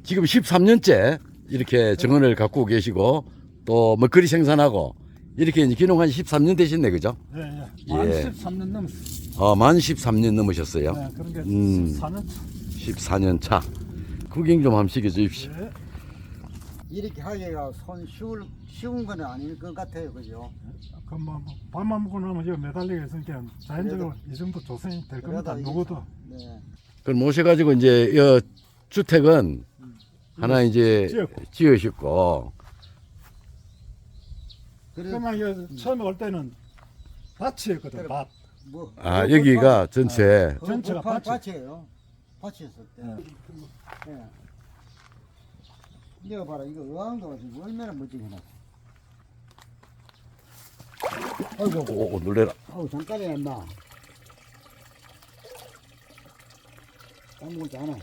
지금 13년째 이렇게 정원을 갖고 계시고 또 먹거리 생산하고 이렇게 이제 귀농한 지 13년 되셨네, 그죠? 예, 예. 예. 만 13년 넘었어요. 만 13년 넘으셨어요. 네, 그런 게 14년. 14년 차. 구경 좀 한번 시켜주십시오. 예. 이렇게 하기가 쉬운 건 아닐 것 같아요, 그죠? 그뭐 밥만 먹고 나면 이거 매달리게 있으니까 자연적으로 이 정도 조성이 될 겁니다. 그래도 누구도. 네. 그럼 모셔가지고 이제 이 주택은 하나 이제 지으셨고, 그래서 그러면 이거 처음에 올 때는 밭이었거든. 그래. 밭. 뭐 여기가 전체 전체가 밭이에요. 밭이었을 때. 예. 이거 봐라, 이거 의왕도가 지금 얼마나 멋지게 해놨어. 오, 놀래라. 아우, 잠깐이야, 인마. 까먹지 않아.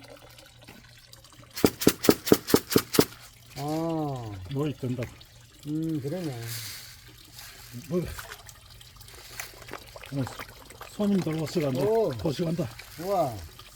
뭐 있던다. 그러네. 뭐 손님들 오시가 뭐 도시간다. 우와.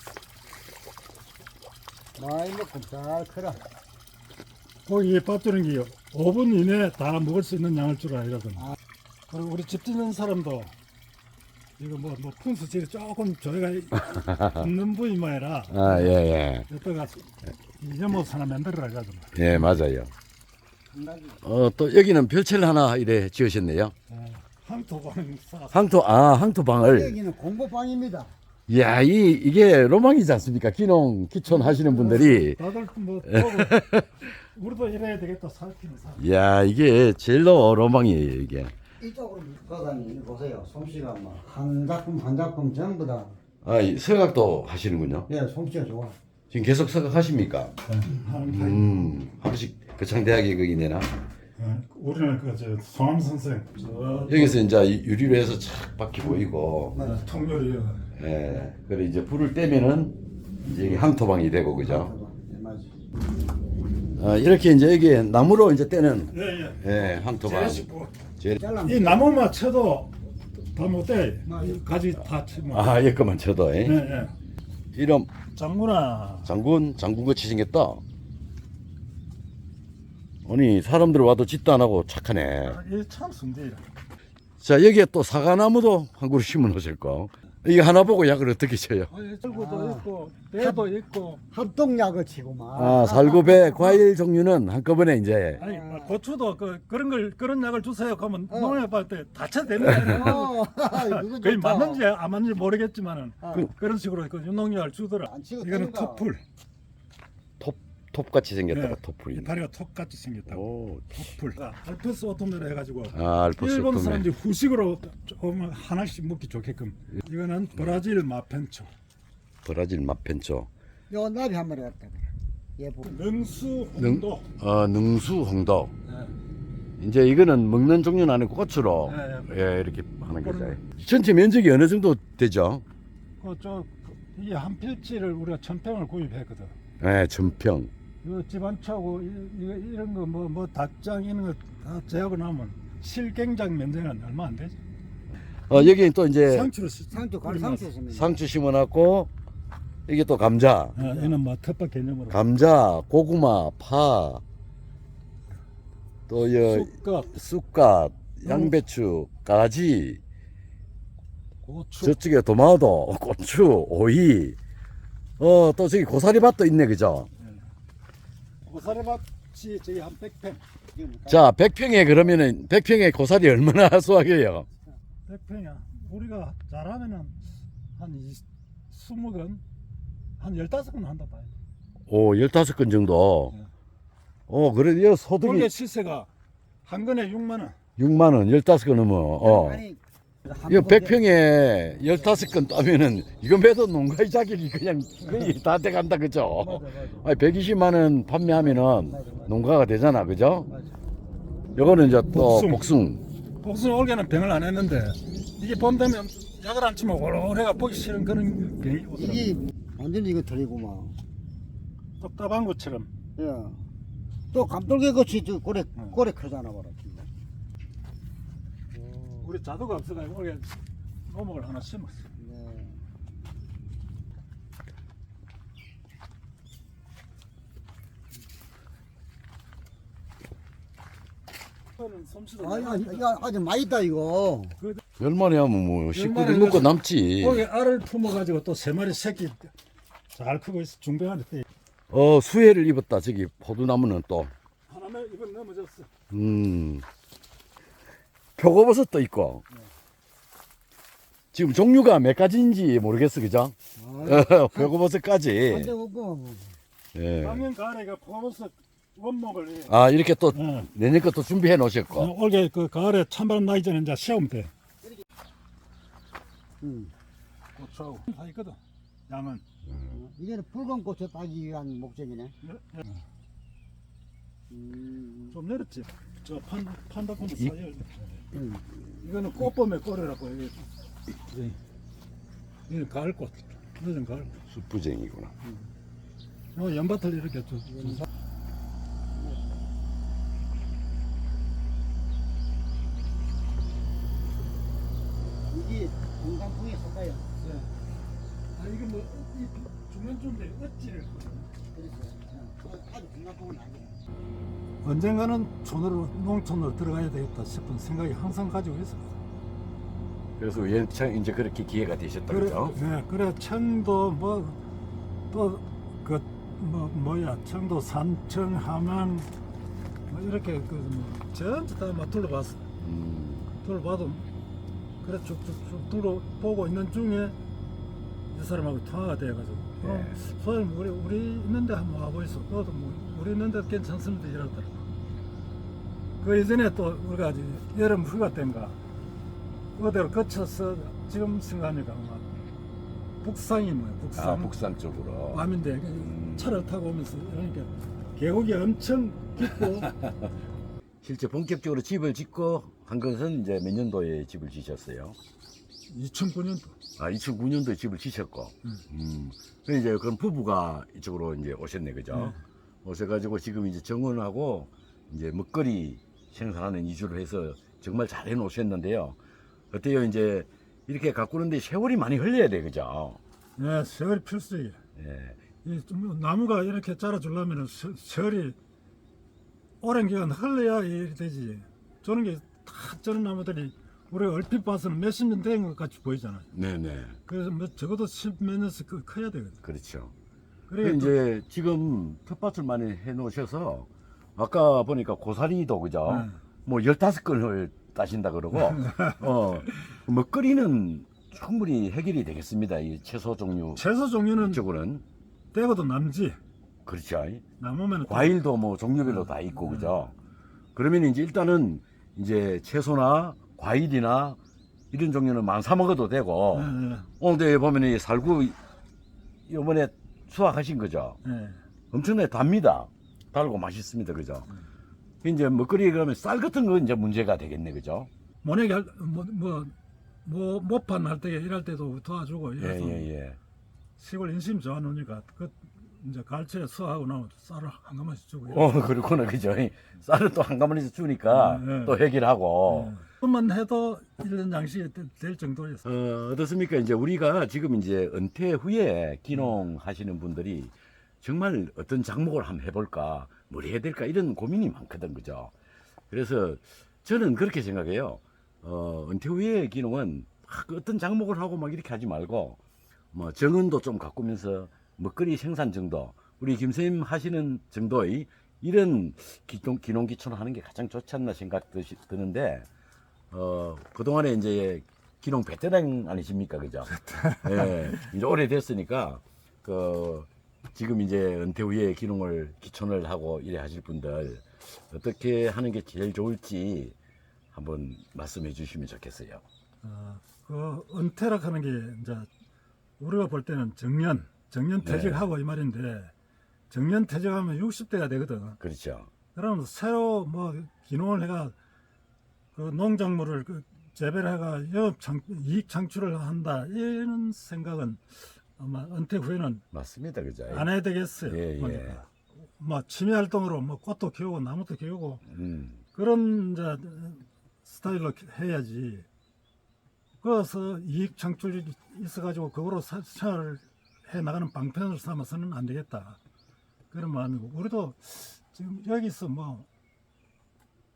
많이 먹고 잘 커라. 고기 밥 주는 게 5분 이내에 다 먹을 수 있는 양을 주라 이러거든. 아. 그리고 우리 집 짓는 사람도 이거 뭐 분수질이 조금 저희가 있는 부위만이라 예. 여기다가 이모스 하나 만들어라 이러거든. 예, 맞아요. 한 가지. 또 여기는 별채를 하나 이래 지으셨네요. 항토방 싸. 항토방을. 여기는 공부방입니다. 이야, 이게 로망이지 않습니까? 기촌 하시는 분들이. 다들 뭐 보고 우리도 이래야 되겠다 살피는 사. 이야, 이게 제일로 로망이에요, 이게. 이쪽으로 걸어다니 보세요. 솜씨가 뭐 한 작품 전부 다. 이 서각도 하시는군요. 예, 솜씨가 좋아. 지금 계속 서각하십니까? 하는 하루씩 거창대학에 거기 내나? 우리는 그저 송암 선생 저 여기서 이제 유리로 해서 착 바퀴 보이고, 통렬이 예, 그래 이제 불을 떼면은 이제 여기 항토방이 되고, 그죠? 예, 맞아. 이렇게 이제 여기 나무로 이제 떼는, 예예. 항토방. 잘라. 이 나무만 쳐도 다 못돼. 가지 다 치면. 여기만 쳐도, 예. 이름, 장군아. 장군같이 생겼다. 아니, 사람들 와도 짓도 안 하고 착하네. 이참 순대야. 자, 여기에 또 사과나무도 한 그루 심어 놓으실 거. 이거 하나 보고 약을 어떻게 쳐요? 철구도 있고 배도 있고. 합동약을 치고만. 살구배 과일 종류는 한꺼번에 이제. 아니 고추도 그런 약을 주세요. 그러면 농협 할때 다쳐 되는 거예요. 이거 그게 좋다. 맞는지 안 맞는지 모르겠지만은 그런 식으로 그 유농약을 주더라. 안 치고 이거는 때린다. 톱풀. 톱같이 생겼다가 네. 톱풀이. 다리가 톱같이 생겼다고. 오, 톱풀. 알프스 오토메로 해가지고. 알프스 일본 오토메. 사람들이 후식으로 조금 하나씩 먹기 좋게끔. 이거는 브라질 마펜초. 브라질 맛펜초. 요 나비 한 마리 갖다 그래. 예, 보. 능수 홍도. 능수 홍도. 네. 이제 이거는 먹는 종류는 아니고 꽃으로 이렇게 하는 거죠. 전체 면적이 어느 정도 되죠? 이게 한 필지를 우리가 1000평을 구입했거든. 네, 전평. 이 집안차고 이런 거 뭐 닭장 이런 거 다 제하고 나면 실갱장 면적은 얼마 안 되지. 여기 또 이제 상추로 상추 가루 상추 있습니다. 상추 심어놨고, 이게 또 감자. 얘는 뭐 텃밭 개념으로. 감자, 고구마, 파, 또 쑥갓, 쑥갓, 양배추, 가지, 고추. 저쪽에 도마도, 고추, 오이, 또 저기 고사리밭도 있네, 그죠? 고사리밭이 저기 한 100평. 자, 100평에 그러면은 100평에 고사리 얼마나 수확해요? 100평이야. 우리가 잘하면은 한 20건, 한 15건 한다 봐요. 오, 15건 정도. 그래도 이 소득이 원래 시세가 한 건에 6만 원. 6만 원, 15건 넘어. 아니, 이거 100평에 15건 따면은 이거 매도 농가의 자격이 그냥 거의 다 돼간다, 그죠? 아니, 120만 원 판매하면은 농가가 되잖아, 그죠? 요거는 이제 또 복숭. 복숭 올해는 병을 안 했는데 이게 봄 되면 약을 안 치면 오래가 보기 싫은 그런 병이 오더라고. 이게 완전히 이거 틀리구만. 답답한 것처럼. 예. 또 감돌개 같이 저 고래 크잖아, 봐라. 우리 자두가 없어가지고 올해 노목을 하나 심었어. 네. 100%는 솜씨도. 아니 이거 아주 많이 있다 이거. 얼마나 하면 뭐 식구들 얼마나 먹고 해가지고 남지. 거기 알을 품어가지고 또 3마리 새끼 잘 크고 있어. 중병한테 때. 수혜를 입었다. 저기 포도나무는 또. 하나만 이번 넘어졌어. 표고버섯도 있고. 지금 종류가 몇 가지인지 모르겠어, 그죠? 표고버섯까지. 완전 없고. 예. 작년 가을에가 포버섯 원목을 해. 아, 이렇게 또 어. 내년 것도 준비해 놓으셨고. 올게 그 가을에 찬바람 나기 전에 이제 시험 때. 고추하고 다 있거든. 양은. 이게는 붉은 고추 따기 위한 목적이네. 좀 내렸지. 저 판다콘도 이- 사이에. 이거는 꽃봄의 꼴이라고 이게. 이건 가을꽃. 늦은 가을꽃. 숯부쟁이구나. 요 연밭을 이렇게 이게 건강풍에 속아요. 아 이게 뭐 중간쯤인데 어찌를 그래서 아주 건강풍은 아니에요. 언젠가는 촌으로 농촌으로 들어가야 되겠다 싶은 생각이 항상 가지고 있어. 그래서 이제 그렇게 기회가 되셨다, 그래, 그죠? 네, 그래 청도 뭐 또 그 뭐야 청도 산청 함양 뭐 이렇게 그뭐 전부 다막 둘러봤어. 둘러봐도 그래 쭉쭉쭉 둘러보고 있는 중에 이 사람하고 통화가 돼가지고 소장님 우리 있는데 한번 와보이소. 너도 뭐 우리 있는데 괜찮습니다 이러더라고. 그 이전에 또 우리가 이제 여름 휴가 때인가 그대로 거쳐서 지금 생각하니까 막 북상이 뭐야 북상. 아, 북산 쪽으로. 밤인데 차를 타고 오면서 그러니까 계곡이 엄청 깊고 실제 본격적으로 집을 짓고 한 것은 이제 몇 년도에 집을 지셨어요? 2009년도 아, 2009년도에 집을 지셨고. 그럼 이제 그럼 부부가 이쪽으로 이제 오셨네, 그죠? 오셔가지고 지금 이제 정원하고 이제 먹거리 생산하는 이주를 해서 정말 잘 해놓으셨는데요. 어때요? 이제 이렇게 가꾸는데 세월이 많이 흘려야 돼, 그죠? 네, 세월이 필수예요. 예. 좀 나무가 이렇게 자라주려면 세월이 오랜 기간 흘러야 일이 되지. 저런 게 다 저런 나무들이 우리가 얼핏 봐서는 몇십 년 된 것 같이 보이잖아요. 네네. 그래서 뭐 적어도 10몇 년씩 커야 되거든. 그렇죠. 그래 그 이제 지금 텃밭을 많이 해놓으셔서 아까 보니까 고사리도 그죠? 네. 뭐 15건을 따신다 그러고 먹거리는 충분히 해결이 되겠습니다. 이 채소 종류 채소 종류는 쪽으로는 떼고도 남지. 그렇죠. 남으면 과일도 뭐 종류별로 다 있고 그죠? 그러면 이제 일단은 이제 채소나 과일이나 이런 종류는 많이 사 먹어도 되고 오늘 보면 이 살구 이번에 수확하신 거죠? 엄청나게 답니다. 달고 맛있습니다. 그죠? 이제 먹거리 그러면 쌀 같은 건 이제 문제가 되겠네. 그죠? 모내기 모판 할 때 일할 때도 도와주고 이래서 예. 시골 인심 좋아하니까 그 이제 갈치에 수하고 나면 쌀을 한 가마씩 주고 그렇구나. 그죠? 쌀을 또 한 가마씩 주니까 또 해결하고. 그것만 해도 1년 양식이 될 정도였어. 어떻습니까? 이제 우리가 지금 이제 은퇴 후에 기농 하시는 분들이 정말 어떤 작목을 한번 해볼까, 뭘 해야 될까, 이런 고민이 많거든. 그죠? 그래서 저는 그렇게 생각해요. 은퇴 후에 기농은 막 어떤 작목을 하고 막 이렇게 하지 말고, 뭐 정원도 좀 가꾸면서 먹거리 생산 정도, 우리 김선생님 하시는 정도의 이런 기농 기촌을 하는 게 가장 좋지 않나 생각 드는데, 그동안에 이제 기농 베테랑 아니십니까? 그죠? 예, 이제 오래됐으니까, 지금 이제 은퇴 후에 기농을 기촌을 하고 이래 하실 분들, 어떻게 하는 게 제일 좋을지 한번 말씀해 주시면 좋겠어요. 그 은퇴라 하는 게 이제 우리가 볼 때는 정년 퇴직하고 이 말인데 정년 퇴직하면 60대가 되거든. 그렇죠. 그러면 새로 뭐 기농을 해가 그 농작물을 재배를 해가 이익 창출을 한다 이런 생각은 아마 은퇴 후에는 맞습니다. 그죠? 안 해야 되겠어요. 예. 보니까. 뭐 취미 활동으로 뭐 꽃도 키우고 나무도 키우고 음. 그런 이제 스타일로 해야지. 그래서 이익 창출이 있어가지고 그거로 생활을 해 나가는 방편을 삼아서는 안 되겠다. 그런 마음이고 우리도 지금 여기서 뭐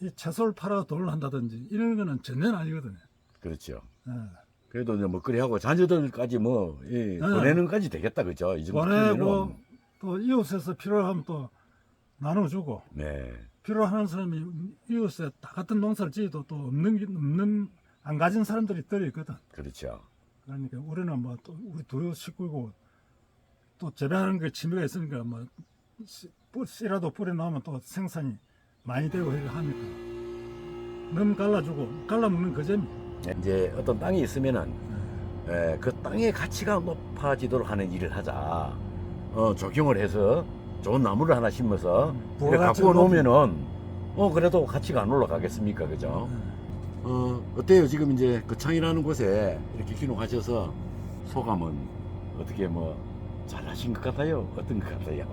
이 채소를 팔아 돈을 한다든지 이런 거는 전혀 아니거든요. 그렇죠. 예. 그래도 이제 먹거리 하고 자녀들까지 뭐 보내는 까지 되겠다 그죠? 이 정도 보내고 크면은. 또 이웃에서 필요하면 또 나눠주고 네. 필요하는 사람이 이웃에 다 같은 농사를 지어도 또 없는 안 가진 사람들이 들어 있거든. 그렇죠. 그러니까 우리는 뭐 또 우리 두 식구고 또 재배하는 게 취미가 있으니까 뭐 씨라도 뿌려 놓으면 또 생산이 많이 되고 이렇게 하니까 너무 갈라주고 갈라먹는 그 재미. 이제 어떤 땅이 있으면은 그 땅의 가치가 높아지도록 하는 일을 하자. 조경을 해서 좋은 나무를 하나 심어서 이렇게 갖고 놓으면은 그래도 가치가 안 올라가겠습니까, 그죠? 어때요? 지금 이제 그 창이라는 곳에 이렇게 귀농하셔서 소감은 어떻게 뭐 잘하신 것 같아요? 어떤 것 같아요?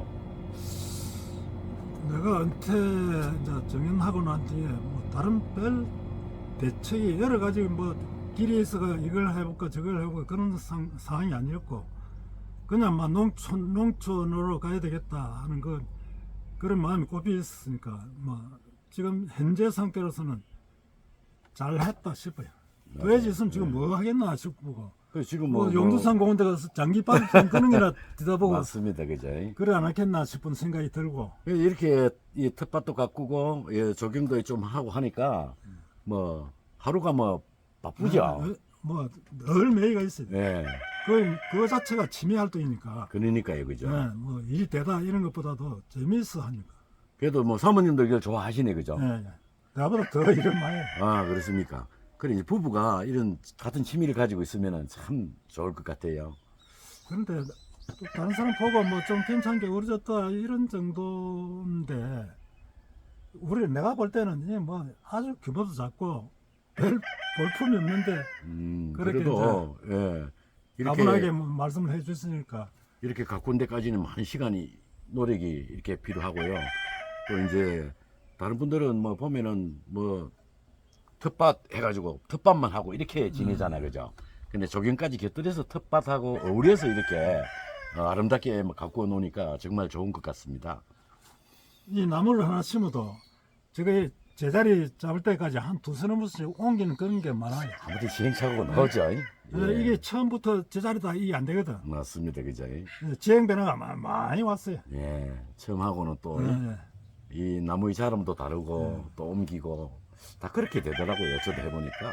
내가 은퇴 이제 정년하고 난 뒤에 뭐 다른 별 대책이 여러 가지 뭐 길이 있어가 이걸 해볼까 저걸 해볼까 그런 상황이 아니었고 그냥 막 농촌으로 가야 되겠다 하는 그런 마음이 꼽혀 있으니까 뭐 지금 현재 상태로서는 잘했다 싶어요. 더 있으면 지금 뭐 하겠나 싶고 지금 뭐 용두산 공원에 가서 장기빨 끄는 게나 뒤다보고 맞습니다, 그죠? 그래 안 하겠나 싶은 생각이 들고 이렇게 이 텃밭도 가꾸고 조경도 좀 하고 하니까 뭐 하루가 뭐 바쁘죠. 뭐 늘 매일가 있어요. 예. 그 자체가 취미 활동이니까. 그러니까요, 그죠? 네, 뭐 일이 되다 이런 것보다도 재미있어 하니까. 그래도 뭐 사모님도 이걸 좋아하시네, 그죠? 네, 나보다 더 일을 많이 해. 아, 그렇습니까? 그래, 이제 부부가 이런 같은 취미를 가지고 있으면 참 좋을 것 같아요. 그런데 또 다른 사람 보고 뭐 좀 괜찮게 어려졌다 이런 정도인데 내가 볼 때는 이게 뭐 아주 규모도 작고 별 볼품이 없는데 그렇게 그래도 이렇게 가분하게 말씀을 해주시니까 이렇게 가꾼 데까지는 많은 시간이 노력이 이렇게 필요하고요. 또 이제 다른 분들은 뭐 보면은 뭐 텃밭 해가지고 텃밭만 하고 이렇게 지내잖아요, 그죠? 근데 조경까지 곁들여서 텃밭하고 어울려서 이렇게 아름답게 가꾸어 놓으니까 정말 좋은 것 같습니다. 이 나무를 하나 심어도 저게 제자리 잡을 때까지 한 두세 번씩 옮기는 그런 게 많아요. 아무튼 시행착오가 나오죠. 이게 처음부터 제자리다 이게 안 되거든. 맞습니다, 그죠? 지형 변화가 많이 왔어요. 예, 처음 하고는 또 이 네. 나무의 자름도 다르고 또 옮기고 다 그렇게 되더라고요. 저도 해보니까.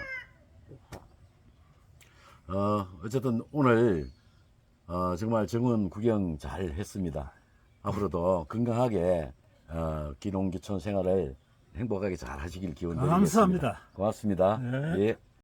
어쨌든 오늘 정말 정원 구경 잘 했습니다. 앞으로도 건강하게 귀농귀촌 생활을 행복하게 잘 하시길 기원드리겠습니다. 감사합니다. 고맙습니다. 네. 예.